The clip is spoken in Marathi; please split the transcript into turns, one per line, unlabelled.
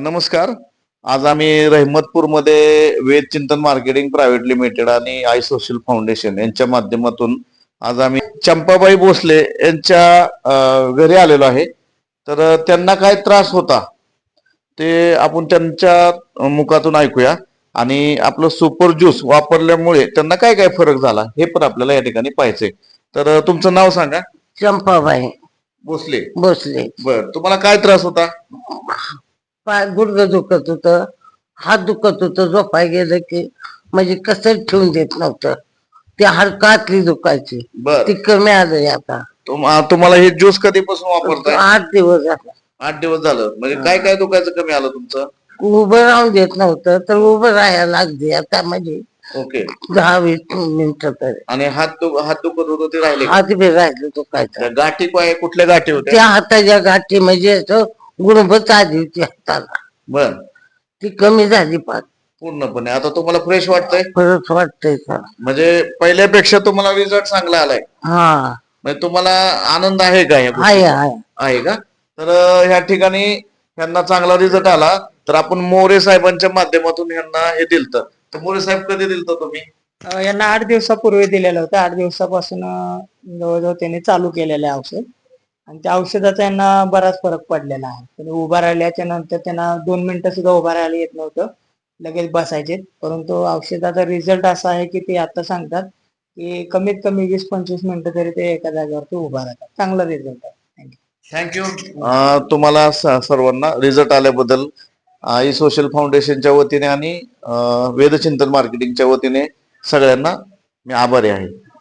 नमस्कार. आज आम्ही रहमतपूरमध्ये Ved Chintan marketing private limited आणि आय सोशल फाउंडेशन यांच्या माध्यमातून आज आम्ही चंपाबाई भोसले यांच्या घरी आलेलो आहे. तर त्यांना काय त्रास होता ते आपण त्यांच्या मुखातून ऐकूया आणि आपलं सुपर ज्यूस वापरल्यामुळे त्यांना काय काय फरक झाला हे पण आपल्याला या ठिकाणी पाहायचंय. तर तुमचं नाव सांगा.
चंपाबाई
भोसले.
भोसले.
बर, तुम्हाला काय त्रास होता?
पाय गुडघं दुखत होतं, हात दुखत होतं, झोपाय गेलं की म्हणजे कसं ठेवून देत नव्हतं. ते हाडकातली दुखायची,
बर,
ती कमी आलंय आता.
तुम्हाला हे ज्यूस कधीपासून वापरताय?
8 दिवस झाला.
8 दिवस झालं. म्हणजे काय काय दुखायचं कमी आलं तुमचं?
उभं राहून देत नव्हतं तर उभं राहायला लागते आता म्हणजे
ओके.
10-20 मिनिटं तरी.
आणि हात दुखत होतं ते राहिले का?
हात बी राहिलं दुखायचं.
त्या गाठी कुठल्या गाठी होत्या?
त्या हाताच्या गाठी म्हणजे असं गुणभत आली होती हाताला,
बर,
ती कमी झाली पाच.
पूर्णपणे आता तुम्हाला फ्रेश वाटतंय?
परत वाटतंय का?
म्हणजे पहिल्यापेक्षा तुम्हाला रिझल्ट चांगला आलाय?
हा,
म्हणजे तुम्हाला आनंद आहे का या
आहे
गोष्टीचा?
आहे.
आहे का? तर ह्या ठिकाणी ह्यांना चांगला रिझल्ट आला. तर आपण मोरे साहेबांच्या माध्यमातून ह्यांना हे दिलत. तर मोरे साहेब कधी दिलत तुम्ही?
यांना 8 दिवसापूर्वी दिलेलं होतं. 8 दिवसापासून जवळजवळ त्यांनी चालू केलेलं आहे औषध आणि त्या औषधाचा यांना बराच फरक पडलेला आहे. त्यांनी उभा राहिल्याच्या नंतर त्यांना 2 मिनिटं सुद्धा उभा राहायला येत नव्हतं, लगेच बसायचे. परंतु औषधाचा रिझल्ट असा आहे की ते आता सांगतात की कमीत कमी 20-25 मिनिटं तरी ते एका जागेवरती उभा राहतात. चांगला रिझल्ट आहे.
थँक्यू. तुम्हाला सर्वांना रिझल्ट आल्याबद्दल आई सोशल फाउंडेशनच्या वतीने आणि वेदचिंतन मार्केटिंगच्या वतीने सगळ्यांना मी आभारी आहे.